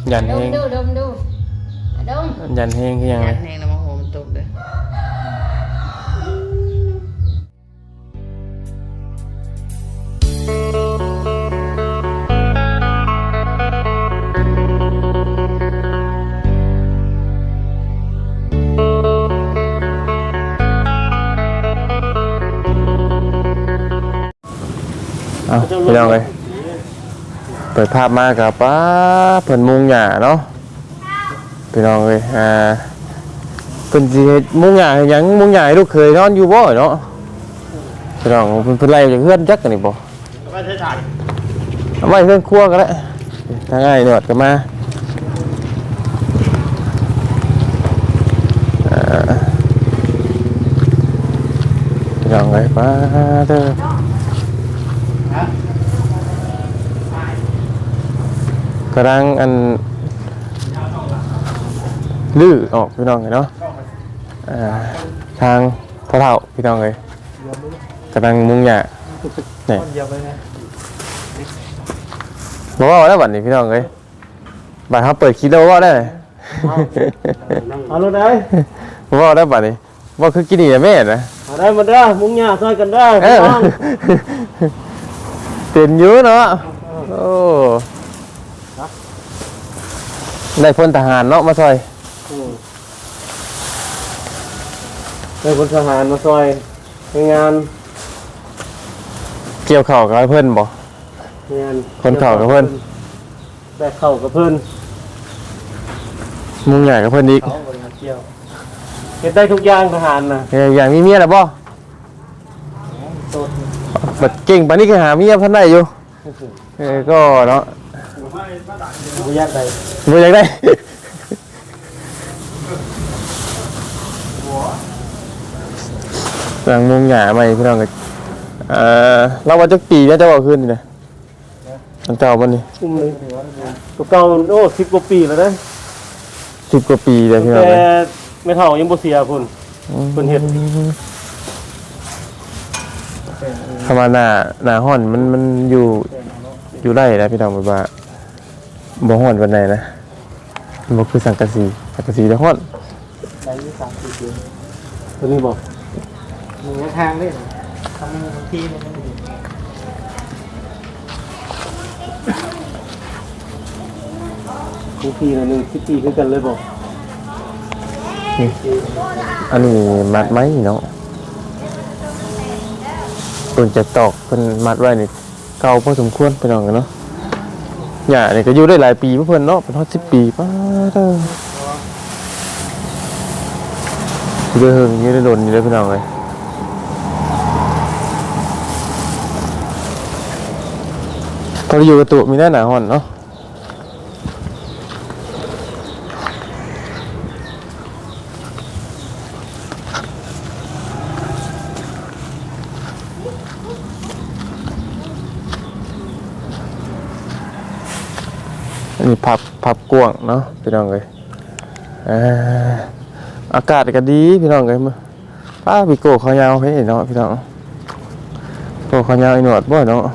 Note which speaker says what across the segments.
Speaker 1: ยันแห้ง
Speaker 2: ดมดูดม
Speaker 1: ยันแห้งคือยังไง
Speaker 3: ยันแห้งแล้วมาโหมันตกเลย
Speaker 1: เอาพี่น้องเลยเปิดภาพมากับป้าเพิ่นมุงหญ้าเนาะพี่น้องเลยเพิ่นสิเฮ็ดมุงหญ้าให้หยังมุงหญ้าให้ลูกเคยนอนอยู่บ่เนาะพี่น้องเพิ่นไล่จากเฮือนจักกันนี่บ่เอาไว้ถ่ายเอาไว้เฮือนครัวก็ได้ทางง่ายหนวดก็มาพี่น้องเลยป้าเด้อกำลังอันลื้อออกพี่น้องเลยเนาะทางพ่อเฒ่าพี่น้องเลยกำลังมุงหญ้าเนี่ยบอกว่าได้บัดนี้พี่น้องเลยบัดเขาเปิดคลิปแล้วว่าได้
Speaker 4: เอาเลยได้
Speaker 1: บอกว่าได้บัดนี้ว่าคือกินนี่แม่นะ
Speaker 4: เอาได้มาได้มุ้งหญ้าซอยกันได้
Speaker 1: เป็นเยอะเนาะโอ้ได้พลทหารเนาะมาซอย
Speaker 4: ได้พลทหารมาซอยงาน
Speaker 1: เกี่ยวเข่ากับเพื่อนบ่
Speaker 4: งาน
Speaker 1: คนเข่ากับเพื่อน
Speaker 4: ได้เข่ากับเพื่อน
Speaker 1: มุงใหญ่กับเพื่อนอีก
Speaker 4: เห็นได้ทุกอย่างทหารนะ
Speaker 1: อย่างมีเมียหรือบ่บัดเก่งปานนี้ก็หาเมียพันได้อยู่ก็เนาะ
Speaker 4: บุญยากได้
Speaker 1: บุญยากได้หลังมุงหญ้าใหม่พี่น้องก็เราว่าจักปีแล้วจะเอาขึ้นนี่นะมันเก่าบ่นี่
Speaker 4: ตัวเก่าโอ้10 กว่าปีแล้วนะ
Speaker 1: 10 กว่าปีเลยพี่น้อง
Speaker 4: แต่ไม่เท่ายังบ่เสียพุ่นเฮ็ด
Speaker 1: ธรรมดาหน้าฮ้อนมันอยู่ได้นะพี่น้องแบบว่าบ่ฮ้อนปานใดนะบ่คือสังกะสีแต่ฮ้อน
Speaker 4: ได้30 ปีตัวนี้บ่มีทางเลยทำบางทีมันบางทีนะ1 10 ปีคือกันเลยบ่
Speaker 1: อันนี้มัดไหมเนาะต้นจะตอกเพิ่นมัดไว้นี่เก่าพอสมควรพี่น้องกันเนาะหญ้านี่ก็อยู่ได้หลายปีเพิ่นเนาะเป็นฮอด10 ปีป้าเด้ออยู่ได้เฮิงอยู่ได้โดนอยู่ได้พี่น้องเอ้ยพออยู่กับตัวมีหน้าฮ้อนเนาะอันนี้พับกว้างเนาะพี่น้องเลยอากาศก็ดีพี่น้องเลยมาป้าพี่โก้เขายาวให้เนาะพี่น้องโก้เขายาวไอ้หนวดบ่เนาะ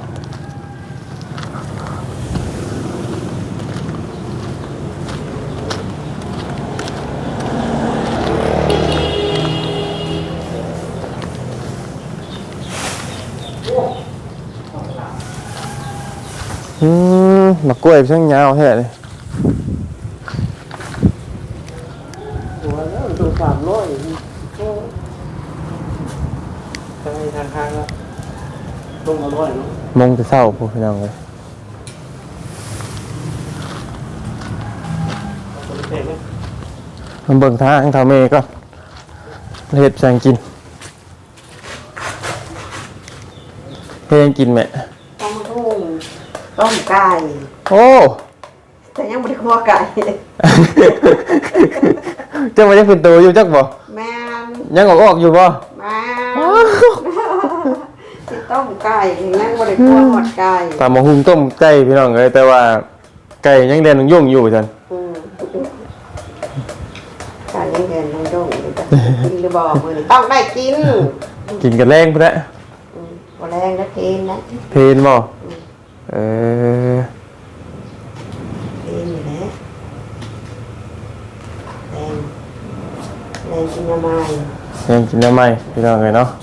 Speaker 1: มากล้วยช่างยาวแท้เลย
Speaker 4: ตัว300ทางละลง100เนาะ
Speaker 1: มงจะเศร้าพวกพี่น้องเลยมันเบิ่งทางทางเมย์ก็เห็ดแสงกินเฮ็ดกินแม่
Speaker 2: ต้มไก่
Speaker 1: โอ้
Speaker 2: แต่ยังไม่ได้คั่วไก่
Speaker 1: เจ้ามันยังเป็นตัวอยู่จักบ่
Speaker 2: แม่
Speaker 1: ยังออกอยู่บ่
Speaker 2: แม่ที่ต้มไก่ยังไม่ได้คั่วหมดไก่
Speaker 1: ตามมาหุงต้มไก่พี่น้องเลยแต่ว่าไก่ยังเด่นยุ่งอยู่จัน
Speaker 2: ไก่ยังเด่นยุ่งอยู่กินหรือบ่มื้อนี้ต้องได้กิน
Speaker 1: กันแรงพุ่นแหละ
Speaker 2: บ่แรงแล้วกินนะ
Speaker 1: เพลนบ่
Speaker 2: เองอยู่นะกินอะไร
Speaker 1: ยังกินได้ไหมพี่น้องเลยเนาะ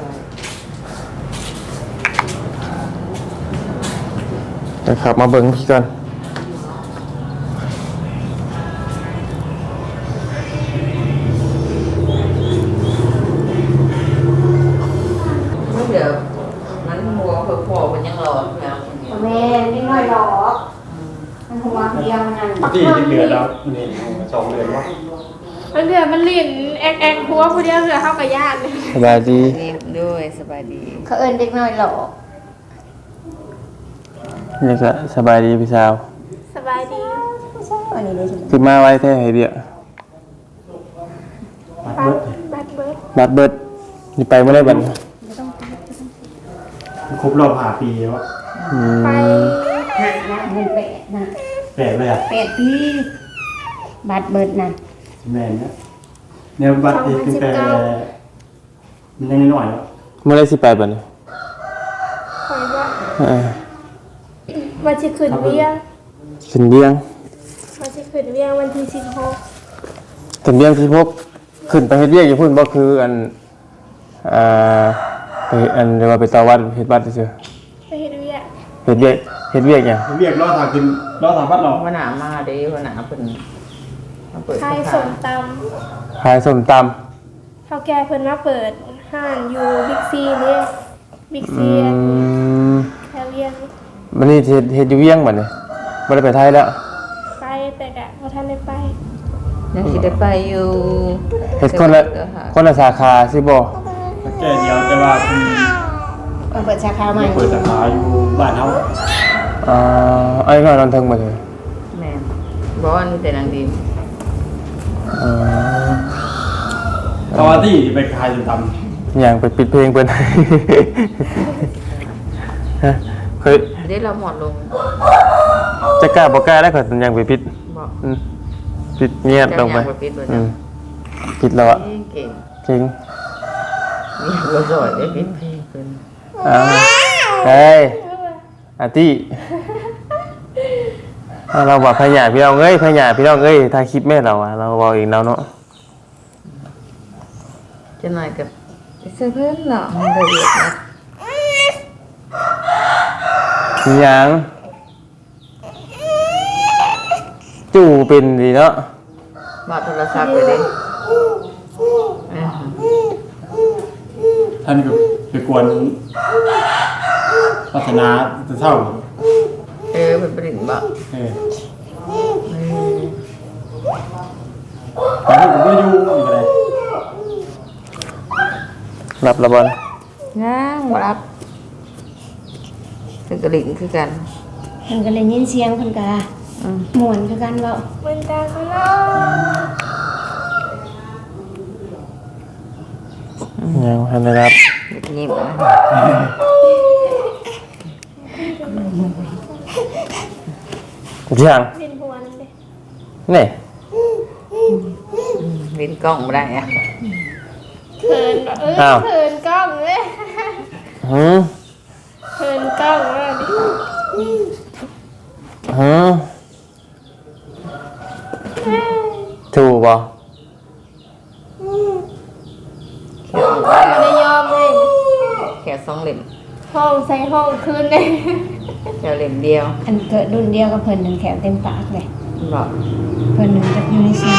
Speaker 1: เดี๋ยวขับมาเบิ่งพี่ก่อน
Speaker 3: เดี๋ยวมันหัวพอมันยังร้อนแล้ว
Speaker 2: แม่นิดหน่อยหรอกมันหัวเดียวนั่น
Speaker 4: ที่เดือดแล้วนี่2 เดือนวะ
Speaker 5: มันเดือดมันลิ่นแอกแอกหัวผู้เดียวเดือดเข้ากับญาติเลย
Speaker 1: สบายดี
Speaker 3: ด้วยสบายดี
Speaker 2: เขาเอิ้นเด็กน้อยหรอก
Speaker 1: นี่ก็สบายดีพี่สาว
Speaker 5: สบายดี
Speaker 2: อันนี้เลยใช่ไหม
Speaker 1: คือมาไว้แท้ให้เดียว
Speaker 5: บัดเบิร์ด
Speaker 1: บัดเบิดนี่ไปเมื่อไรบัด
Speaker 4: ครบรอบ5 ปีแล้ว
Speaker 5: ไป
Speaker 2: นะเงินเป็ดนะ
Speaker 4: แปลกเลยอ่ะ
Speaker 2: 8 ปีบัตรเบิดนะ
Speaker 4: แม่นนะเนี่ยบัตรตั้งแต่มันยังน้อยแล้ว
Speaker 1: เมื่อไรสิไปบัดนี้
Speaker 5: คอยว่า
Speaker 1: เออ
Speaker 5: วันที่ขึ้นเวียง
Speaker 1: ขึ้นเบี้ยง
Speaker 5: วันที่ขึ้นเวียงวันที่16
Speaker 1: ขึ้นเบี้ยงที่พบขึ้นไปเฮ็ดเบี้ยงอยู่พุ่นบ่คืออันไปอันเรียกว่าไปต่อวัดเฮ็ดบัตรซื่อ
Speaker 5: ไปเฮ็ดเวียง
Speaker 1: เฮ็ดเบี้ยงเฮ็ดเบี้ยงหยัง
Speaker 4: เรียกรอทางขึ้นรอทางบัตรเรา
Speaker 3: วันหนามาเด้วันหนาเพิ่นมาเปิด
Speaker 5: ไทยส่งต
Speaker 1: ขายส้มตำ
Speaker 5: ำเท่าแก่เพิ่นมาเปิดห้านอยู่บิ๊กซีนี่บิ๊กซีแถวเวียง
Speaker 1: วันนี้เฮ็ดอยู่เวียงบัดนี้บ่ได้ไปไทยแล้ว
Speaker 5: ไปแต่กะพอท่านได้ไป
Speaker 3: ยังสิได้ไปอยู่
Speaker 1: เฮ็ดคนละสาขาสิบ่
Speaker 4: แค่เดียวแต่ว่าคุณ
Speaker 2: เปิดสาขาใหม่
Speaker 4: เปิดสาขาอยู่บ้านเฮา
Speaker 1: ไอ้น้อยนอนเทิงบ่เถอะ
Speaker 3: แม่บ่อันมีแต่นางดี
Speaker 4: ตอนที่ไปขายตำ
Speaker 1: อย่างไปปิดเพลงเพิ่น ฮะเคย
Speaker 3: ได้เราหมดลง
Speaker 1: จะกล้าบ่กล้าได้ก็ยังไปปิด
Speaker 3: บอก
Speaker 1: ปิดเงียบลงไป
Speaker 3: จะยังบ่ปิดบ่
Speaker 1: อื
Speaker 3: จ้ะ
Speaker 1: มปิดแล้วอ่ะ
Speaker 3: เก่ง
Speaker 1: จริง
Speaker 3: นี่บ่สอยได้ปิดเพลงเพิ่น
Speaker 1: เฮ้ยอาตี้เราบอกพญาพี่น้องเอ้ยพญาพี่น้องเอ้ยถ่ายคลิปแม่เราอ่ะเราบอกเองเราเนาะ
Speaker 3: จะหน่อยกับเสื้อเพิ่นเนาะมันละเอียดนะ
Speaker 1: มีหยังจู่เป็นดีเนาะ
Speaker 3: บอกโทรศัพท์ไปดิ
Speaker 4: ท่านก็ไปกวนพัฒนาจะเท่า
Speaker 3: เป็นปริ่นบอก
Speaker 4: แต่ถ้าผมไม่อยู่อีกอะไร
Speaker 1: รับระบอน
Speaker 3: ง้างบ่รับเป็นกระดิ่งคือกัน
Speaker 2: เพิ่นก็เลยยินเสียงเพิ่นก็ม่วนคือกันเว้า
Speaker 5: มันตาข้างนอก
Speaker 1: ยังทันได้รับ
Speaker 3: ยิ้มนะ
Speaker 1: ยัง
Speaker 5: ดินหัวนั่นเลย
Speaker 1: นี่
Speaker 3: ลิ้นกล้องไม่ได้อะ
Speaker 5: เขินแบบเขินกล้องเลย
Speaker 1: หืม
Speaker 5: เขินกล้องเลยดิ
Speaker 1: หืมถูกป่ะ
Speaker 3: แค่
Speaker 5: ไม่ได้ยอมเลย
Speaker 3: แค่2 เล่ม
Speaker 5: ห้องใส่ห้องคืนเลย
Speaker 3: แค่เล่มเดียว
Speaker 2: อันเกิดรุ่นเดียวกับเพิ่นนึงแขวเต็มปากเลย
Speaker 3: บอก
Speaker 2: เพิ่นนึงจะอยู่ในเสียง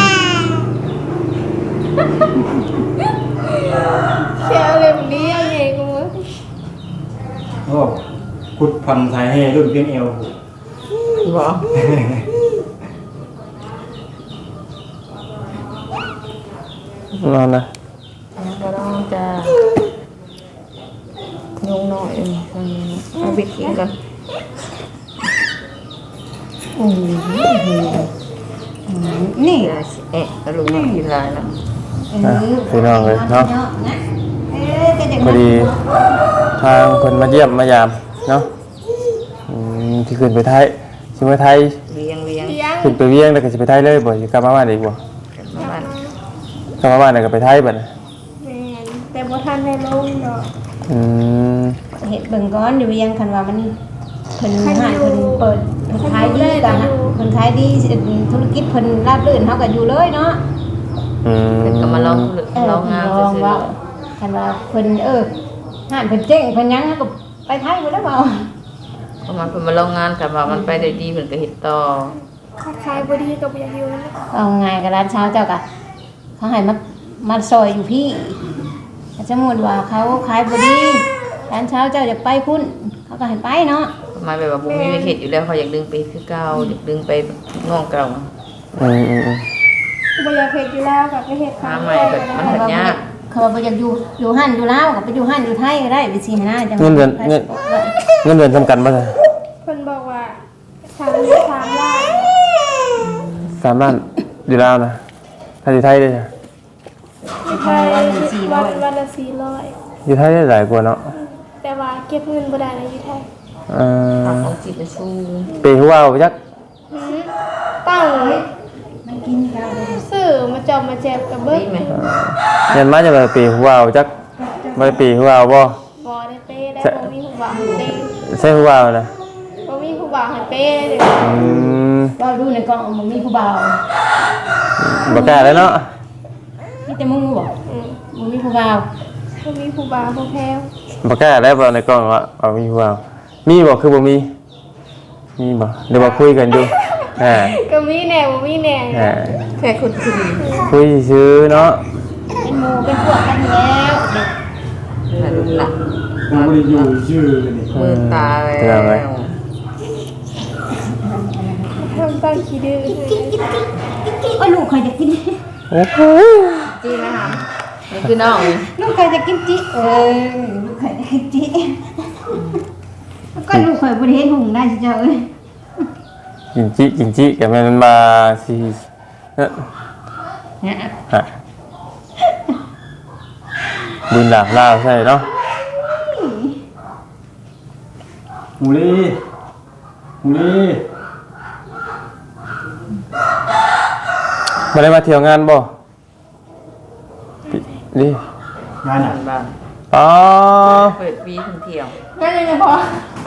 Speaker 5: แค่เล่มเดียวเองกู
Speaker 4: โอ้คุดพันไทยให้รุ่นเพียงเอว
Speaker 3: บอก
Speaker 1: นอนนะ
Speaker 3: ก็ต้องจะยุงหน่อยเอาบิดกินก่อน
Speaker 2: โอ้โหนี่
Speaker 3: เดี๋ยวเอ๊ะกระลุงมากินลายแล้ว
Speaker 1: พี่น้องเลยเนาะ
Speaker 2: ก็จะ
Speaker 1: พอดีทางเพิ่นมาเยี่ยมมายามเนาะที่ขึ้นไปไทยสิไปไทย
Speaker 3: เลี้ยง
Speaker 5: เลี้ยง
Speaker 1: ขึ้นไปเวียงแล้วก็สิไปไทยเลยบ่สิกลับมาบ้านอีกบ่
Speaker 3: กันมาบ้าน
Speaker 1: กลับมาบ้านแล้วก็ไปไทยบัดน่ะ
Speaker 5: แมนแต่บ่ทันได้ลงดอก
Speaker 1: อืม
Speaker 2: เห็ดเบิ่งก้อนอยู่ยังคันว่ามันเพิ่นหายเพิ่นเปิดเพิ่นขายดีกันนะเพิ่นขายดีธุรกิจเพิ่นราบรื่นเฮาก็อยู่เลยเนาะ
Speaker 3: เป็นก็มาลองลองงาน
Speaker 6: ลอง
Speaker 3: ซื่อ
Speaker 6: ว่าคันว่าเพิ่นห่านเพิ่นเจ๊งเพิ่นหยังก็ไปไทยบ่ได้เปล่า
Speaker 3: ๆเพราะมันเพิ่นมาลองงานกันว่ามันไปได้ดีเพิ่นก็เฮ็ดต่อ
Speaker 5: คล้ายๆบ่ดีกับบ่อยากอยู่นั่นแหละ
Speaker 6: เอาไงกับร้านเช้าเจ้ากะเขาให้มาซอยอยู่พี่สมมุติว่าเขาขายบ่ดีร้านเช้าเจ้าอยากไปพุ่นเขาก็ให้ไปเนาะ
Speaker 3: ประมาณแบบว่าบ่มีเฮ็ดอยู่แล้วเขาอยากดึงไปคือเก่าอยากดึงไปง่องเก่า
Speaker 1: อืม
Speaker 5: บ่อยากเฮ็ดอยู่แล้วก็ไปเฮ็ด
Speaker 3: หาใหม่ก็มันเฮ็ดยาก
Speaker 6: เขาบ่อยากอยู่หั่นอยู่ลาวก็ไปอยู่หั่นอยู่ไทยก็ได้ไปสิหาจัง
Speaker 1: เงินเดือนจำกันบ่ล่ะ
Speaker 5: เพิ่นบอกว่า3 ล้าน
Speaker 1: 3 ล้านอยู่ลาวนะถ้าอยู่ไทยได้จ้ะ
Speaker 5: อยู่ไทยวันละ400
Speaker 1: อยู่ไทยได้หลายกว่าเนาะ
Speaker 5: แต่ว่าเก็บเงินบ่ได้ในอยู่ไทย
Speaker 3: ทางของจิตจะสู้
Speaker 1: ปีหัวเอาไปจัก
Speaker 5: ตั้ง
Speaker 6: มันกินข้าวได้
Speaker 5: ซื้อมาจอมมาแจบกับเบิด
Speaker 3: ดีไหม
Speaker 1: เงินมาจะไปปีหัวเอาจักบ่ได้ปีหัวเอาบ่
Speaker 5: บ่ได้เป้ได้บ่มีผู้บ่าวให้เป้
Speaker 1: ใช่หัวเอานะ
Speaker 5: บ่มีผู้บ่าวให้เป้ได้เลย
Speaker 1: อืม
Speaker 6: เราดูในกล่องมันมีผู้บ่าว
Speaker 1: บ่กล้าแล้วเนาะ
Speaker 6: มีแต่มึงบ่ มันมีผู้บ่าว
Speaker 5: บ่มีผู้บ่าวผู้แพ้ว
Speaker 1: บ่กล้าแล้วบ่ในกล้องว่าเอามีหัวเอามีบ่คือบ่มีมีบ่เดี๋ยวมาคุยกันอยู่อ่า
Speaker 5: ก็มีแน่บ่มีแน่
Speaker 3: แค่คุณคือ
Speaker 1: คุยซื้อเนาะ
Speaker 6: เป็นหมู่เป็นพวกกันแล้วเด็ก
Speaker 3: แต่ลูกหนัก
Speaker 4: เราไม่ได้อยู่ชื่อนี่
Speaker 3: มือตาแล้ว
Speaker 5: ทำตั้งขี้ดื้อ
Speaker 6: ก็ลูกเคยจะกิน
Speaker 1: โอ้โห
Speaker 3: จีนะคะนี่คือน้อง
Speaker 6: ลูกเคยจะกินจิลูกเคยจะกินจิก็ลูกเคยบริเวณหุงได้เจ้าเอ้ย
Speaker 1: กินจิกับมันมาสิเนี่ยฮะบุญหลาบลาวใช่เนาะ
Speaker 4: หมูลี่หมูลี่
Speaker 1: มาได้มาเที่ยวงานบ่นี่
Speaker 4: งานอ่ะ
Speaker 3: บ้าน
Speaker 1: อ๋อ
Speaker 3: เปิดปีท่องเที่ยว
Speaker 6: นั่นเลยพอง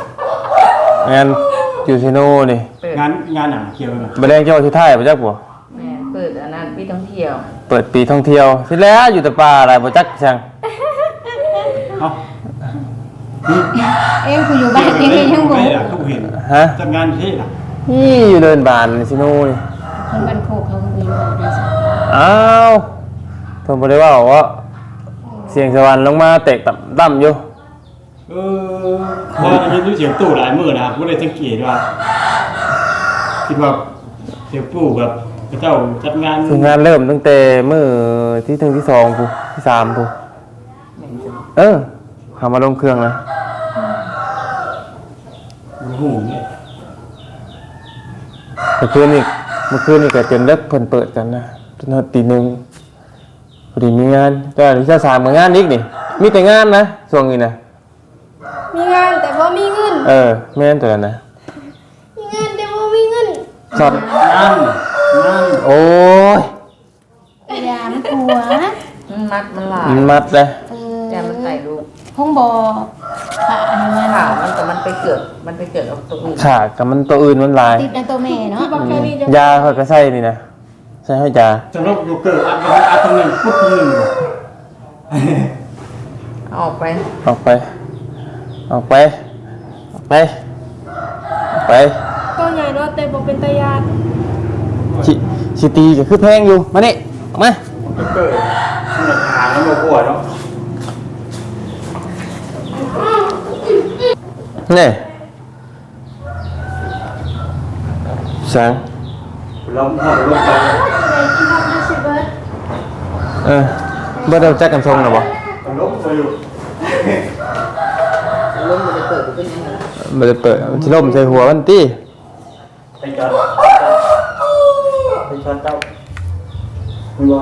Speaker 1: านอยู่ซิโน่นี่
Speaker 3: เปิด
Speaker 4: งานอ่ะเกี่ยวกัน
Speaker 1: มาแรงเจ้าที่ไทยบ่จักบ่
Speaker 3: แม่เปิดอันนั้นปีท่องเที่ยว
Speaker 1: เปิดปีท่องเที่ยวที่แล้วอยู่แต่ป่าอะไรบ่จักจัง
Speaker 4: เอ้านี่
Speaker 6: เอ็งคืออยู่บ้านเอ็งยังบ่
Speaker 4: ไม่ล่ะทุกเห็น
Speaker 1: ฮะ
Speaker 4: จัดงานที่ล่ะ
Speaker 1: นี่อยู่เดินบานซิโน่นี่
Speaker 6: คนบ้านโคกเขาคืออยู่บ้านได้สิ
Speaker 1: อ้าวเพิ่นบ่ได้ว่าเสียงสวรรค์ลงมาเตะต่ำอยู่
Speaker 4: พอได้ยินเสียงตู้หลายมื้อนะบ่ได้สังเกตว่าคิดว่าเสียงปู่แบบพระเจ้าจัดงาน
Speaker 1: คืองานเริ่มตั้งแต่มื้อที่1ที่2พูที่3พูเข้ามาลงเครื่องนะ
Speaker 4: หูเนี่ย
Speaker 1: เมื่อคืนนี่ก็จนเลิกเพิ่นเปิดกันนะจนตีหนึ่งพอดีมีงานแต่ที่จะ3มื้องานอีกนี่มีแต่งานนะช่วงนี้นะ
Speaker 5: มีงานแต่บ่มีเงิน
Speaker 1: แม่นตัวนั้นนะ
Speaker 5: มีงานแต่บ่มีเงิน
Speaker 1: สอด
Speaker 4: งาน
Speaker 1: โอ้ย
Speaker 6: ยามันกลัว
Speaker 3: มัดมันหลาย
Speaker 1: มันมัดเลย
Speaker 3: แต่มันใส่ลูก
Speaker 6: ห้องบ่ขาให้มัน
Speaker 3: ข่าวมันแต่มันไปเกิดกับตัวอื่น
Speaker 1: ขากับมันตัวอื่นมันหลาย
Speaker 6: ติดในตัวแม่เนาะ
Speaker 5: บอกแค่นี้จะ
Speaker 1: ยาเขาก็ใส่นี่นะใส่ให้ยา
Speaker 4: สำหรับอยู่เกิดอัดตรงนึงปุ๊บนึง
Speaker 3: ออกไป
Speaker 1: ออกไป
Speaker 5: ตัวใหญ่เนาะแต่บ่เป็นตาญาติ
Speaker 1: ชิตีก็คือแพงอยู่มานี่ออกมา
Speaker 4: เกิดมันหาแล้วบ่ปวดเนาะ
Speaker 1: นี่สัง
Speaker 4: ล้มหัวล้มไป
Speaker 1: เบอร์เดิมแจ็คกันทรงหรอบ่
Speaker 4: ล้มไปอยู่
Speaker 3: ล้มมันจะเกิดเป็นยังไง
Speaker 1: มันจะเปิดมันจะล่มใส่หัวมันตี้
Speaker 4: ไปจอดเจ้าคุณว่า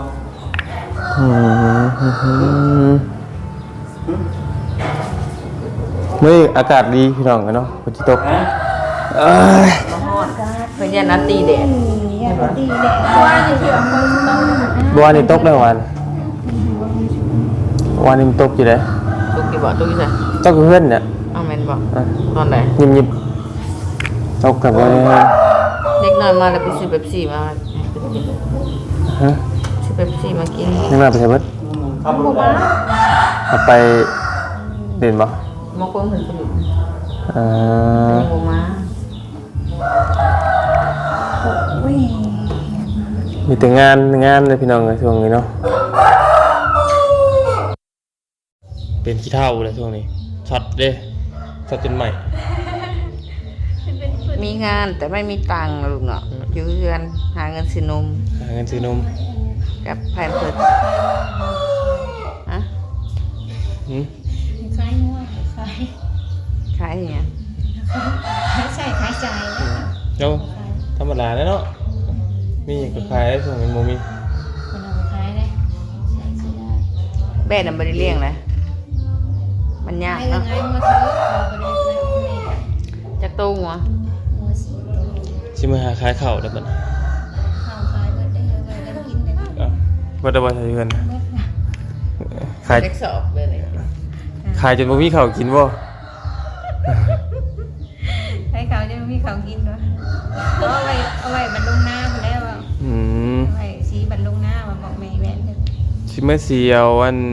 Speaker 1: มื้ออากาศดีพี่น้องกันเนาะฝนสิตก
Speaker 4: ฮะ
Speaker 1: เอ้ย
Speaker 3: มาฮอดเพื่อนนัดตีแดด
Speaker 6: ยาดีแหละ
Speaker 5: ว่านี่สิว่าคนต้อง
Speaker 1: บ่วานนี้ตกได้วันวานนี้มันตกอยู่เด้
Speaker 3: ตุกกี่บ่ตุกกี่ใส่
Speaker 1: ตกกับเพื่อนเนี่ย
Speaker 3: เอาแมนบ่ตอนไหน
Speaker 1: ยิบๆตกกับว่า
Speaker 3: เด็กน้อยมาแล้วไปซื้อเป๊ปซี่มา
Speaker 1: ฮะ
Speaker 3: ซื้อเป๊ปซี่มากิน
Speaker 1: นี่มาไปใช้เบิด
Speaker 4: ขับรถได้
Speaker 1: เอาไปเด่นบ่
Speaker 3: มอกเพิ่มเพิ่นผลิต
Speaker 1: เอ่อ
Speaker 3: โมมา
Speaker 1: มีแต่งานเลยพี่น้องในช่วงนี้เนาะเป็นขี้เท่าเลยช่วงนี้ช็อตเด้ช็อตจนใหม่
Speaker 3: มีงานแต่ไม่มีตังค์นะลูกเนาะอยู่เรือนหาเงินซื้อนม
Speaker 1: หาเงินซื้อนม
Speaker 3: กับแพมเพิร์สอะ
Speaker 1: หืม
Speaker 6: คล้ายงัวคล้าย
Speaker 3: ขายอย่างเงี้ย
Speaker 6: คล้ายใส่คล้ายใจ
Speaker 1: เจ้าธรรมดาแล้วเนาะมีอย่างกับใครได้ช่วงนี้โมมี
Speaker 6: คนเอาคล้ายเลยใส่สีได้
Speaker 3: แม่น่ะไม่ได้เลี้ยงนะมันยาก
Speaker 6: ให้
Speaker 3: เนาะ
Speaker 6: ง่ายมาเถอะเราไปเลยไปเอาแม่
Speaker 3: จากตู้หัว
Speaker 6: งัวสีตัว
Speaker 1: ชิมาหาขายข้าวได้ปะ
Speaker 6: ข้าวคล้ายเบิดได้เลยกันกินได้เบิด
Speaker 1: ว่าได้บ่ใช่เงิน
Speaker 6: ค่ะ
Speaker 1: ขาย
Speaker 3: เด็กสอบเลยเลย
Speaker 1: ขายจนบ่มีข้าวกินบ่
Speaker 6: ให้เขาจะมีเขากินด้วยเอาไว้บรรลุงหน้าคนแล้วว่า
Speaker 1: อืม
Speaker 6: เอาไว้สีบรรลุงหน้ามาบอกแม่แม่เถอะ
Speaker 1: ชิมาเสียวอัน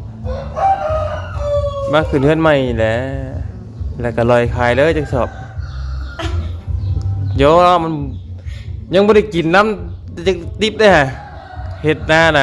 Speaker 1: มาขึ้นเฮือนใหม่แหละแล้วก็ลอยขายเลยจักสอบโยมันยังบ่ได้กินน้ำจักดิบเด้ฮะเฮ็ดหน้าน่ะ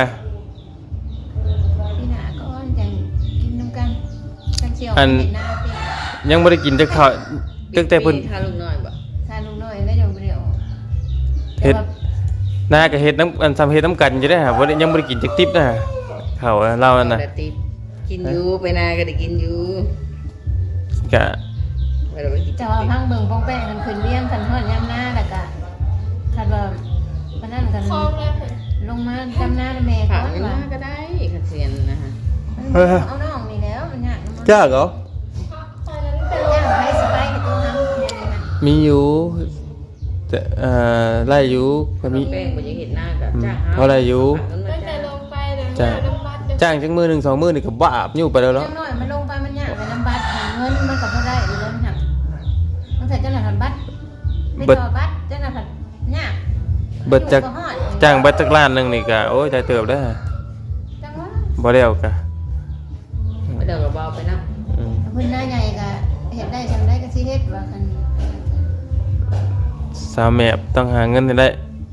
Speaker 6: พี่หนาก็จะกินน้ำกันกันเชียว
Speaker 1: อัน
Speaker 6: เห็นหน้าพี่
Speaker 1: ยังบ่ได้กินจักข้าวตั้งแต่เพิ่น
Speaker 3: ทาลูกน้อยบ่
Speaker 6: ทานลุงน้อยแล้วยังไม่ได้ออก
Speaker 1: เฮ็ดหน้าก็เฮ็ดน้ำอันซ้ำเฮ็ดน้ำกันอยู่ได้อฮะบ่ได้ยังบ่ได้กินจักดิบนะฮะข้าวเรานั่นน่ะ
Speaker 3: แต่ติดกินอยู่ไปนาก็ได้กินอยู่
Speaker 1: ก็
Speaker 3: ไปเราไปกิน
Speaker 6: จะว่าพังเบิ่งป้องแป้งกันคืนเลี้ยงกันทอดยำหน้าแล้วก็คันว่าพนันกัน
Speaker 5: คลองแล้วเพิ่น
Speaker 6: ลงมาจำหน้าแม่ก่
Speaker 3: ผ่า
Speaker 6: อน น
Speaker 3: เว
Speaker 6: ว่า
Speaker 3: ลาก็ได้ขัดเสียนนะฮะ
Speaker 6: เอาน้องนี่แล้วมันยากมัน
Speaker 1: จ้าเหรอ
Speaker 5: ตอนนั้นเป็น
Speaker 6: ยากไปสบายให้ตัวทำเนี่ยนะ
Speaker 1: มีอยู่แต่ไล่อยู่ก็มี
Speaker 3: แป้งบ่ยังเห็นหน้ากับจ้า
Speaker 1: เพราะอะไรอยู่
Speaker 5: ตั้งแต่ลงไปเลย
Speaker 1: จ้า
Speaker 5: น้ำบัดเดี๋ยว
Speaker 1: จ้างจังมือ1 2มื้อนี่ก็บาปอยู่ไปแล้วเนาะ
Speaker 6: จังน้อยมันลงไปมันยากไปน้ำบัตรหาเงินมันก็บ่ได้อยู่แล้วหักตั้งแต่เจ้าหน้าที่บัตรไม่ต่อบัตรเจ้าหน้าที่ยาก
Speaker 1: เบิดจักจ้างเบิดจักล้านหนึงนี่ก็โอ้ยใจเติบได้อ
Speaker 6: จังว่า
Speaker 1: บ่แล้วก็
Speaker 3: ไปเดี๋ยวก็เบาไปนะ
Speaker 1: อืม
Speaker 6: พื้นหน้าใหญ่ก็เฮ็ดได้จังได้ก็สิเฮ็ดว่าคัน
Speaker 1: สาวแม่ต้องหาเงินให้ได้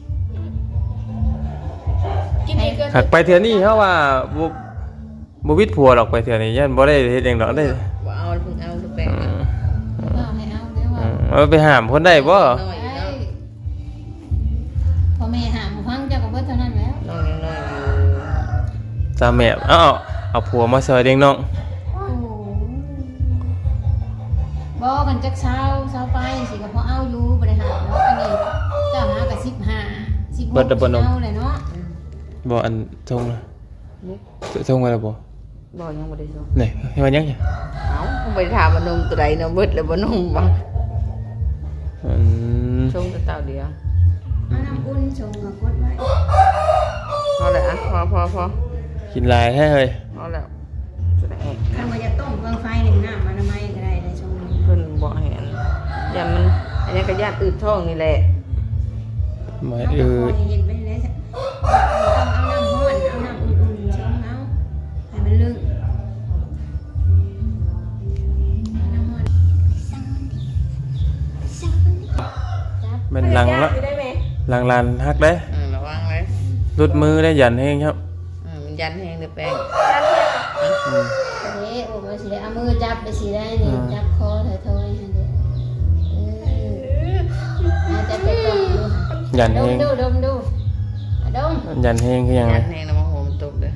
Speaker 5: กินอีกก็
Speaker 1: หักไปเทื่อนี้เฮาว่าบ่วิดผัวหรอกไปเทื่อนี้ยันบ่ได้เฮ็ดหยังดอกได้
Speaker 3: ว่าเอาเพิ่งเอาแป้ง
Speaker 1: อืม
Speaker 6: ก็ให้เอาเด้อว่า
Speaker 1: เอาไปห้ามคนได้บ่
Speaker 3: น้อยอยู่
Speaker 6: ได้
Speaker 3: เนาะ
Speaker 6: พอแม่หามพังเจ้าก็เบิดเท่านั้นแล้ว
Speaker 3: น้องยังน้อยอยู่
Speaker 1: สาวแม่เอาผัวมาซอยเลี้ยงน้อง
Speaker 6: โอ้บ่กันจักเช้าไปสิก็พอเอาอยู่บ่ได้หาเนาะอันนี้เจ้าหาก็15 16เอาเลยเนาะ
Speaker 1: บ่อันทงนะทงมาแล้วบ่
Speaker 3: บ่ยังบ่ได้ส่ง
Speaker 1: นี่ให้มันยังไง
Speaker 3: เอ้าไปถามว่านมตัวใดนมเบิดแล้วบ่นมบ่
Speaker 1: อืม
Speaker 3: ชงแต่เต่าเดียว
Speaker 6: เอาน้ำอุ่นชงมากดไว้
Speaker 3: พอแล้วอ่ะพอ
Speaker 1: กินหลายแท้เฮ้ย
Speaker 3: พอแล้วจะได้
Speaker 6: คันว่าจะต้มเบิ่งไฟหนึ่งน้ำอนามัยก็ได้ในชง
Speaker 3: เพิ่นบ่ให้อันอย่ามันอันนี้ก็ญาติอืดท้องนี่แหละ
Speaker 1: มา
Speaker 6: เอาน้ำร้อนเย็นไปเลยต้องเอาน้ำร้อนเอาน้ำอุ่นๆชงเอาให้มันลึกน้ำร้อน
Speaker 1: แมันหลังละ
Speaker 5: ได้ไหม
Speaker 1: หลังลานฮักเด้
Speaker 3: ระวังเลย
Speaker 1: รุดมือได้ยันเฮงครับ
Speaker 3: มันยันแห้งเด้อแป้ง
Speaker 6: เอ๊ะโอ้มาสิได้เอามือจับไปสิได้นี่จับคอเถอยๆให้เด้อาจจะไปต้มดู
Speaker 1: ยัน
Speaker 6: ด
Speaker 1: เฮ
Speaker 6: ม
Speaker 1: ง
Speaker 6: ดูดมดูดม
Speaker 1: ยันเฮงคือยังไง
Speaker 3: ยันแห้งแล้วมาโหมตกเด้อ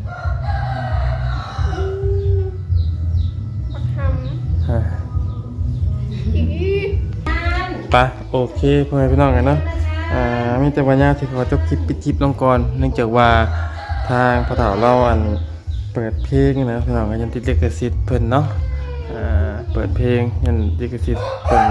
Speaker 5: ปักห
Speaker 1: ฮะ
Speaker 5: ำอีก
Speaker 1: ไปโอเคพ่อแม่พี่น้องกันเนาะมีแต่วันยาที่ขอจบคลิปปิดคลิปลงก่อนเนื่องจากว่าทางพ่อเฒ่าเราอันเปิดเพลงนะพี่น้องก็ยันติดลิขสิทธิ์เพิ่นเนาะเปิดเพลงยันลิขสิทธิ์เพิ่น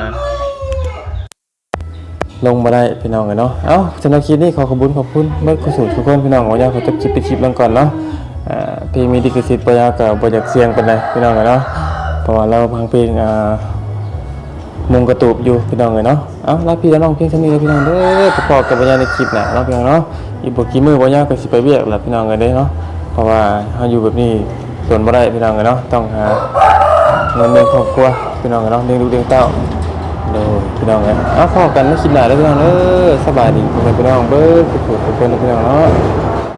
Speaker 1: ลงมาได้พี่น้องกันเนาะเอ้าสำหรับคลิปนี้ขอบคุณเมื่อกุศลทุกคนพี่น้องวันยาขอจบคลิปปิดคลิปลงก่อนเนาะเพลงมีลิขสิทธิ์บ่ยาวก็บ่อยากเสี่ยงปานใดพี่น้องกันเนาะเพราะว่าเราพังเพลงมุงกระตูบอยู่พี่น้องเลยเนาะเอ้ารักพี่แล้วน้องเพียงเท่านี้เลยพี่น้องเด้อพอกับปัญญาในคลิปน่ะเนาะพี่น้องเนาะอีกบ่กี่มื้อบ่ยาวก็สิไปเวียกแล้วพี่น้องกันเด้เนาะเพราะว่าเฮาอยู่แบบนี้ส่วนบ่ได้พี่น้องกันเนาะต้องหาเงินเลี้ยงครอบครัวพี่น้องกันเนาะเลี้ยงลูกเลี้ยงเต้าโดยพี่น้องกันเอ้าพอกันในคลิปหน้าเด้อพี่น้องเด้อสบายดีพี่น้องเบิดทุกคนพี่น้องเนาะ